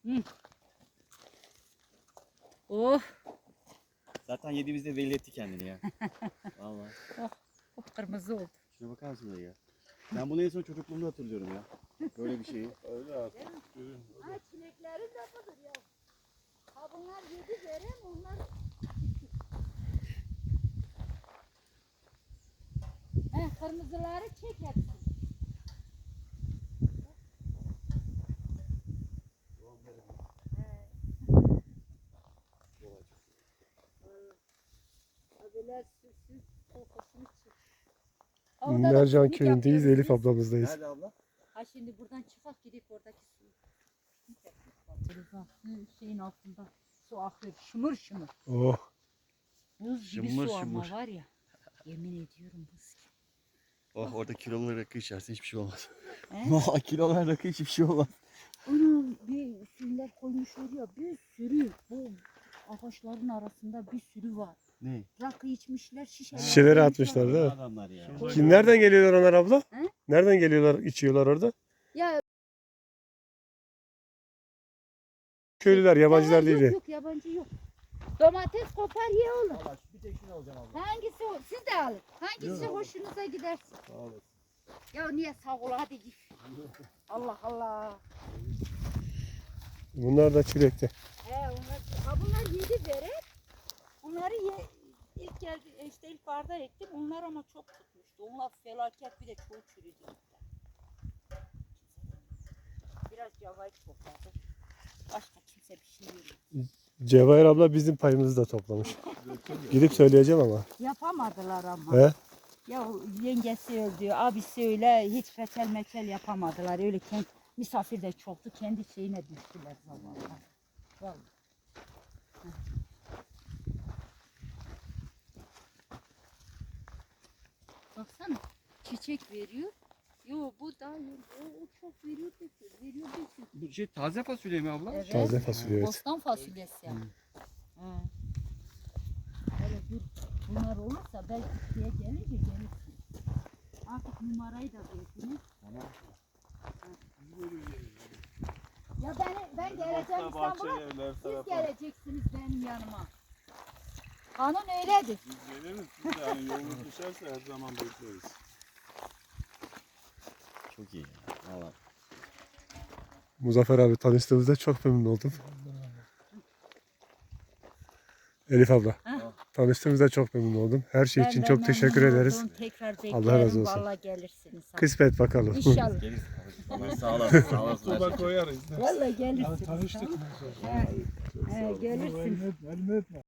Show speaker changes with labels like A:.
A: Hı. Oh.
B: Zaten yediğimizde belli etti kendini ya. Vallahi.
A: Oh kırmızı oldu.
B: Şuna bakar mısın ya? Ben bunu en son çocukluğumda hatırlıyorum ya. Böyle bir şeyi.
C: Öyle artık.
A: Ha çilekleri de budur ya. Ha bunlar yedi verem onlar. Kırmızıları çek hepsini. Abiler süsüz kokusunu çık.
D: Mercan köyündeyiz, Elif ablamızdayız.
B: Nerede abla?
A: Ha şimdi buradan çıkak gidip oradaki suyu. Telefon şeyin altında su akıyor şımır şımır.
D: Oh,
A: Buz gibi
B: Şımır
A: su ama
B: şımır.
A: var ya. Yemin ediyorum buz gibi.
B: Oh orada kilolu rakı içersin hiçbir şey olmaz.
A: He?
B: Kilolu rakı hiçbir şey olmaz.
A: Onun bir şeyler koymuşlar ya bir sürü bu ağaçların arasında bir sürü var.
B: Ne?
A: Rakı içmişler şişeler.
D: Şişeleri
A: koymuşlar.
D: atmışlar değil mi?
B: Adamlar ya.
D: Şimdi nereden geliyorlar onlar abla?
A: He?
D: Nereden geliyorlar, içiyorlar orada?
A: Ya
D: Köylüler, yabancılar değil.
A: Yok yabancı yok. Domates kopar ye oğlum.
B: Valla bir tek şunu alacağım abla.
A: Hangisi siz de alın. Hangisi hoşunuza gidersin.
B: Sağ olasın.
A: Ya niye sağ ol hadi git. Allah Allah.
D: Bunlar da çilekte.
A: Bunlar yedi verir. Bunları ilk geldi işte ilk barda ektim. Onlar ama çok tutmuştu. Onlar felaket bir de çoğu çürüdü. Biraz cavayı topladı. Başka kimse bir şey yok.
D: Cevahir abla bizim payımızı da toplamış. Gidip söyleyeceğim ama.
A: Yapamadılar ama.
D: He?
A: Ya yengesi öldü, abisi öyle hiç reçel meçel yapamadılar. Öyle misafir de çoktu. Kendi şeyine düştüler zamanlar. Vallahi. Baksana çiçek veriyor. Yo bu da o çok veriyor veriyor.
B: Bu şey taze fasulye mi abla?
A: Evet.
D: Taze fasulye evet.
A: Bostan fasulyesi yani. Öyle dur. Bunlar olursa belki şeye gelince gelirsin. Artık numarayı da verdiniz.
B: Tamam.
A: Ya ben geleceğim İstanbul'a. Siz geleceksiniz benim yanıma. Kanun öyledir.
C: Biz geliriz. Biz de yani yolunuz düşerse her zaman bekleriz.
B: Çok iyi ya. Valla.
D: Muzaffer abi tanıştığımızda çok memnun oldum. Elif abla. Tanıştığımızda çok memnun oldum. Her şey için çok teşekkür ederiz.
A: Tekrar beklerim.
D: Allah razı olsun.
A: Vallahi gelirsiniz.
D: Kısmet bakalım.
A: İnşallah.
B: Geliriz. Sağ olasın. Sağ olasın.
C: Tuba koyarız.
A: Vallahi gelirsiniz.
C: Tanıştık.
A: Gelirsiniz.
C: Elini etme.